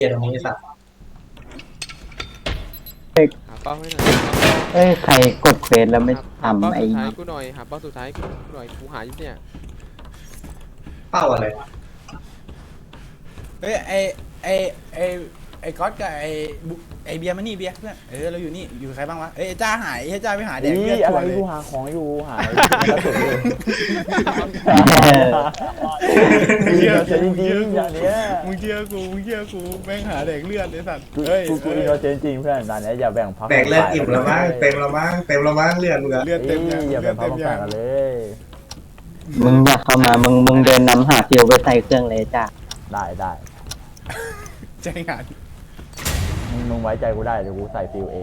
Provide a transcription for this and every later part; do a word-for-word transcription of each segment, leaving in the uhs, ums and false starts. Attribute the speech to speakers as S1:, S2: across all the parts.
S1: เกียร์ตรงนี้สัตว์
S2: หาเป้าให้หน่อย
S3: เอ้ยใครกดเควสแล้วไม่
S2: หาเป้า
S3: ทำไอ้
S2: สุดท้ายกูหน่อยหาเป้าสุดท้ายกูหน่อยกูหาอยู่เนี่ย
S1: เป้าอะไร
S4: เฮ้ยไอไอไอไอก๊อตกับไอบุ๊ไอเบียร์มานี่เบียร์เพื่อนเออเราอยู่นี่อยู่ใครบ้างวะเอ้ยจ้าหายเฮ้ยจ้าไปหาแดกเลือด
S5: อะ
S4: ตัว
S5: ไร
S4: เลย
S5: กูหาของอยู่หายกระสุนอยู่
S4: มึงเชื่อ
S5: เจริงจริงอย่างเนี้ย
S4: มึงเชื่อกูมึงเชื่อกูแม่งหาแดกเลือดเลยสัตว์
S5: กู
S4: เฮ้ย
S5: กูกูอินโนเซนต์จริงเพื่อนตอนนี้อย่าแบ่งพัก
S1: แตกเลือดอิ่มแล้วมั้งเต็มแล้วมั้งเต็มแล้วมั้งเลือดมึงอะ
S4: เลือดเต็มยัง
S5: อย่า
S4: เลื
S5: แบ่
S4: อง ด
S5: พั
S4: เต็
S5: ก
S4: ม
S5: มา
S4: ยัง
S5: กันเลย
S3: มึงอยากเข้ามามึงมึงเดินนำหาฟิวไปใส่เครื่องเลยจ้ะ
S5: ได้ได้
S4: ใจงาน
S5: มึงมึงไว้ใจกูได้เดี๋ยวกูใส่ฟิลเอง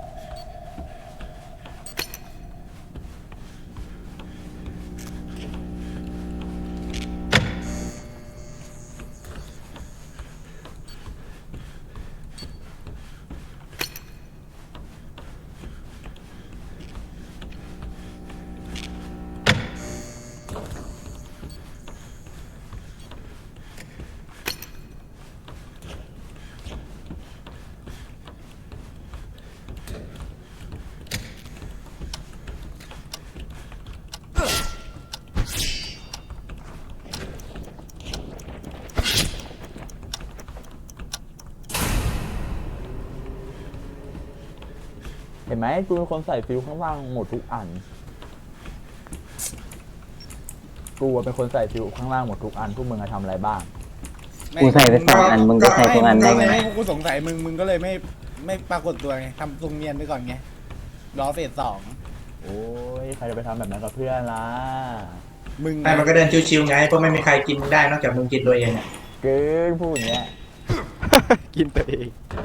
S5: เห็นไหมกูเป็นคนใส่ฟิลข้างล่างหมดทุกอันกูเป็นคนใส่ฟิลข้างล่างหมดทุกอันพวกมึงจะทำอะไรบ้าง
S3: กูใส่ไปสองอันมึงจะใส่ทุกอันได้ไง
S4: ไม่กูสงสัยมึงมึงก็เลยไม่ไม่ปรากฏตัวไงทำทรงเนียนไปก่อนไงรอเฟสสอง
S5: โอ้ยใครจะไปทำแบบนั้นกับเพื่อนล่ะ
S4: มึง
S1: ไอ้มันก็เดินชิวๆไงเพราะไม่มีใครกินได้นอกจากมึงกินตัวเองอะ
S5: เกินพูดอย่างเงี้ย
S2: กินตัวเอง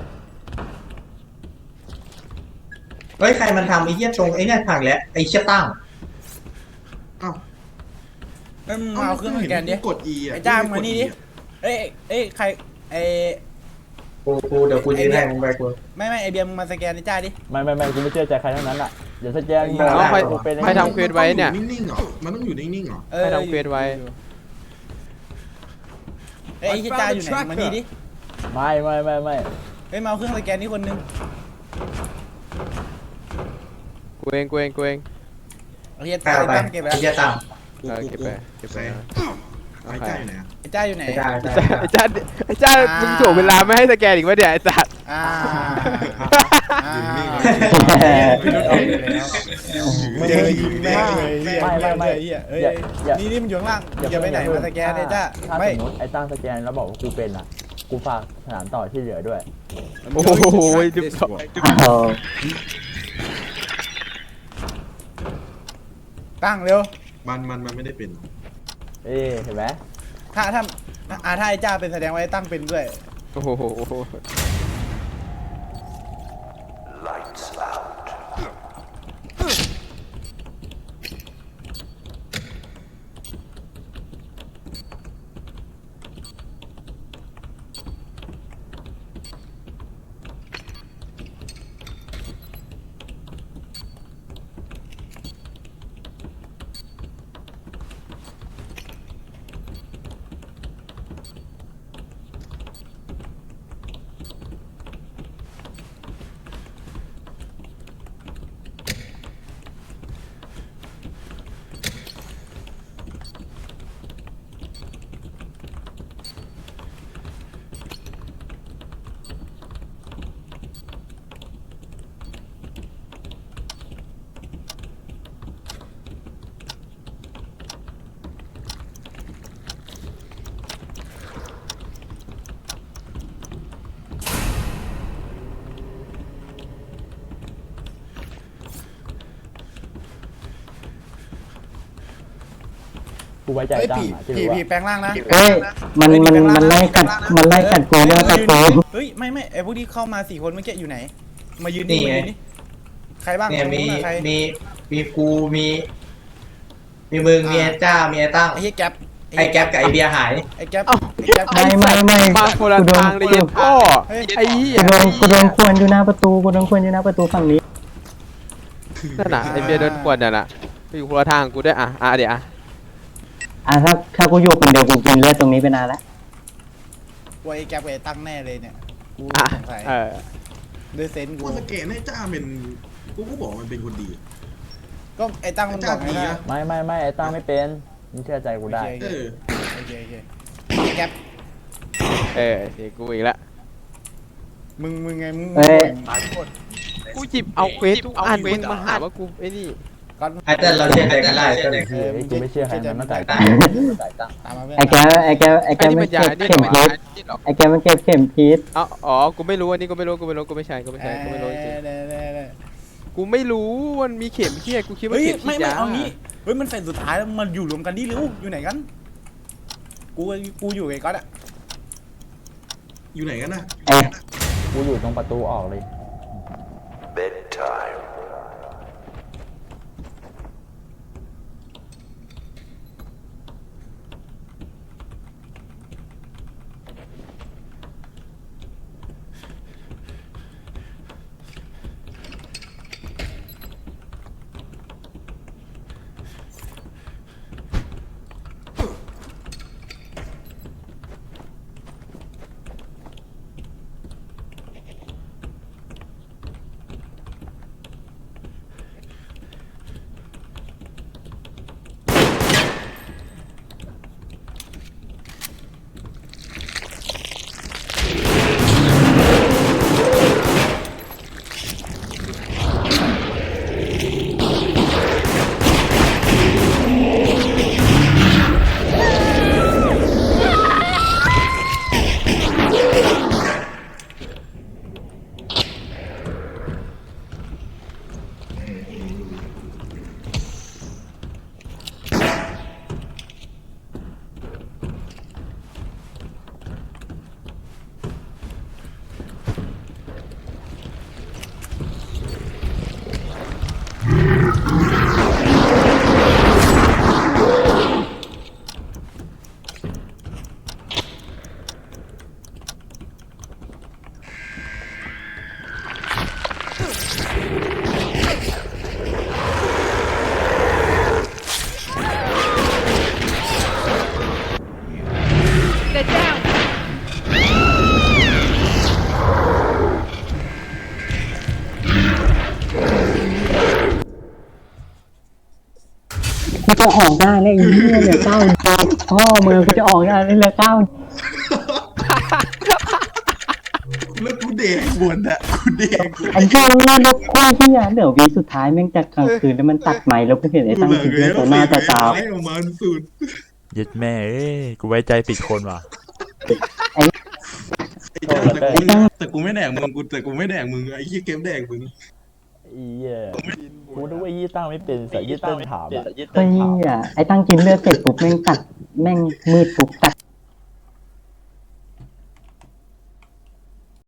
S1: เฮ้ยใครมันทำไอ้เหี้ยตรงไอ้เนี่ยผังแล้วไอ้เชี่ยตั้ง
S6: อ้าว
S4: เอ้ยมึงมาเอาเครื่องสแกนดิ
S6: กด E อ่ะ
S4: ไอ้จ้ามานี่ดิเอ้ยเอ้ยใครไอ
S1: กูกูเดี๋ยวกูยืนให้มึงไปกู
S4: ไม่ไม่ไอเบียร์มึงมาสแกนไอ้จ้าดิ
S5: ไม่ไม่ไม่กูไม่เชื่อใจใครทั้งนั้นอ่ะเดี๋ยวสแกน
S1: ไม่เอา
S2: ใคร
S5: กูเป็น
S2: ใครทำเควสไว้เนี่ย
S6: มัต้องอนิ่งๆเหรอมันต้องอยู่นิ่งๆเหรอ
S4: เออ
S2: ให้ทำเควสไว้
S4: เอ้ยไอ้จ้าอยู่ไหนมานี่ดิ
S5: ไม่ไม่ไม่ไม่
S4: เฮ้ยมาเอาเครื่องสแกนนี่คนนึง
S2: กูเองกูเองกูเอง
S4: เอาเฮีย
S1: ใคร
S4: จ้า
S1: เอาไป
S4: ตั้งเก็บไป
S1: ไอ้
S4: แล้ว
S1: เชี่ยตั้ง
S6: กู
S2: เออ
S6: กู
S2: เก็บ
S6: กู
S2: ไปเก็บไป
S6: ไอ้ใจไหนอ่ะ
S4: ไอ้จ้าอยู่ไหน
S1: ไอ้จ้าไอ้
S2: ไอ้
S1: จ้า
S2: จ้าไอ้จ้าไอ้จ้ามึงถ่วงเวลาไม่ให้สแกนอีกวะเนี่ยไอ้สัตว์
S4: อ่าอ่า
S6: อยู่นิ่งๆ
S4: พี่นุชออกไปแล้ว
S5: มึง
S4: เจอยิงแม่งเลยเฮีย
S5: ไม่ไม่ไม่
S4: เฮียเอ้ย
S5: อย่าอย่า
S4: นี่นี่มันอยู่ข้างล่างอย่าไปไหนมาสแกนไอ้จ้า
S5: ถ้า
S4: ไม่
S5: สมมติไอ้ตั้งสแกนแล้วบอกว่ากูเป็นอ่ะกูฝากสนามต่อที่เหลือด้วย
S2: โอ้โหจุดสอง
S3: เอา
S4: ตั้งเร็ว
S6: มันมันมันไม่ได้เป็น
S5: เอ๊ะเห็นไหม
S4: ถ้าถ้าอ่าถ้าไอ้จ้าเป็นแสดงว่าไอ้ตั้งเป็นด้วย
S2: โอ้โห
S5: กูไว้ใจ
S4: เฮ้ย
S5: ตั้ง
S4: ผี
S5: อ่ะที่
S4: ผี
S5: รู้ว่า
S4: ผีแปลงร่างนะ
S3: เฮ้ยมันมันมันไล่กัดมันไล่กัดกูมันไล่กัดกู
S4: เฮ้ยไม่ไม่ไอพวกที่เข้ามาสี่คนเมื่อกี้อยู่ไหน มายืนนี่มายืนนี่ใครบ้าง
S1: เนี่ยมี
S4: ใคร
S1: มีมีกูมีมีมึงมีไอ้จ้ามีไอ้ตั้ง
S4: ไอ้เฮียแก๊ป
S1: ไอ้แก๊ปกับไอ้เบียร์หาย
S4: ไอ้แก๊ป
S2: เอ้า
S4: ไอ้แก๊ป
S3: ไม่ไม่ไม่
S2: มาคนละ
S3: กูโดน
S2: ทางเลยเย็นพ่อไอ้เหี้ย
S3: กูโดนกูโดนควนอยู่หน้าประตูกูโดนควนอยู่หน้าประตูฝั่งนี้
S2: นั่นน่ะไอ้เบียร์เดินขวดน่ะน่ะไปอยู่คนละทางกูด้วยอ่ะอ่ะเดี๋ยวอ่ะ
S3: อ่ะถ้าถ้ากูอยู่คนเดียวกูกินเลือดตรงนี้ไปนานแล้ว
S4: ว่าไอ้แก๊ปกับไอ้ตั้งแน่เลยเนี่ยกู
S2: อ่ะ
S4: สงสัย
S2: เออ
S4: ด้วยเซนส์
S6: กู
S4: กู
S6: สแกนให้จ้าเป็นกูก็บอกมันเป็นคนดี
S4: ก็ไอ้ตั้งมันบอกไง
S6: จ้าดี
S4: นะ
S6: นะ
S5: ไม่ไม่ไม่ไอ้ตั้งไม่เป็นมึงเชื่อใจกูได้
S6: เออ
S4: โอเคโอเคแก๊ป
S2: เออเสียกูอีกละ
S4: มึงมึงไงมึง
S3: เอ้ย
S4: ตายหมด
S2: กูหยิบเอาเควสทุกอันมึงมาหาว่ากูไอ้นี่
S4: ก็
S1: ไอ้เต้นเราเชื่อใจกันได้เต้น
S5: เฮ้ยกูไม่เชื่อใครมันตั้งแต่
S4: ตา
S5: ตั้ง
S4: ตามมาเพื่อน
S3: ไอ้แกไอ้แกไอ้แก
S2: ไอ้นี่
S3: มั
S2: มัน น
S3: เก็
S2: ยา
S3: บ
S2: นี่
S3: เข็ม
S2: หรอ
S3: พิษไอ้แกมันเก็บเข็มพิษ
S2: อ๋ออ๋อกูไม่รู้อันนี้กูไม่รู้กูไม่รู้กูไม่ใช่กูไม่ใช่กูไม่รู้จริง
S4: เด้เด้เด้
S2: กูไม่รู้มันมีเข็มเชี่ยกูคิดว่า
S4: เฮ้ย
S2: เข็มฉี
S4: ไม่
S2: ด
S4: ไม่
S2: ยา
S4: เอางี้เฮ้ยมันเฟสสุดท้ายแล้วมันอยู่รวมกันดิเร็วอยู่ไหนกันกูกูอยู่ไอ้ก๊อตอะ
S6: อยู่ไหนกันนะ
S3: ไอ้
S5: กูอยู่ตรงประตูออกเลย
S3: กูจะออกได้แล้วไอ้เหี้ยเหลือเก้าพ่อมึงกูจะออกได้แล้วเหลือเก้า
S6: แล้วกูเด็กบวนอะกูเด็ก
S3: ไอ้เหี้ยนี่รถโคตรเหี้ยเดี๋ยววีสุดท้ายแม่งจะกลางคืนแล้วมันตัดไม้แล้วกูเห็นไอ้ตั้งกินเลือดตัวหน้าตาตา
S6: ให้ออกมาสุด
S7: ยึดแม่เอ้ยกูไว้ใจผิดคนว่ะ
S6: ไอ้จ้าแต่กูแต่กูไม่แดกมึงกูแต่กูไม่แดกมึงไอ้ยี่เกมแดกมึง
S5: อีเหี้ยกูนึกว่ายี่ตั้งไม่เป็นแต่ยี่ตั้งถามอะ
S3: เฮ้ยไอ้ตั้งกินเลือดเสร็จปุ๊บแม่งตัดแม่งมืดปุ๊บตัด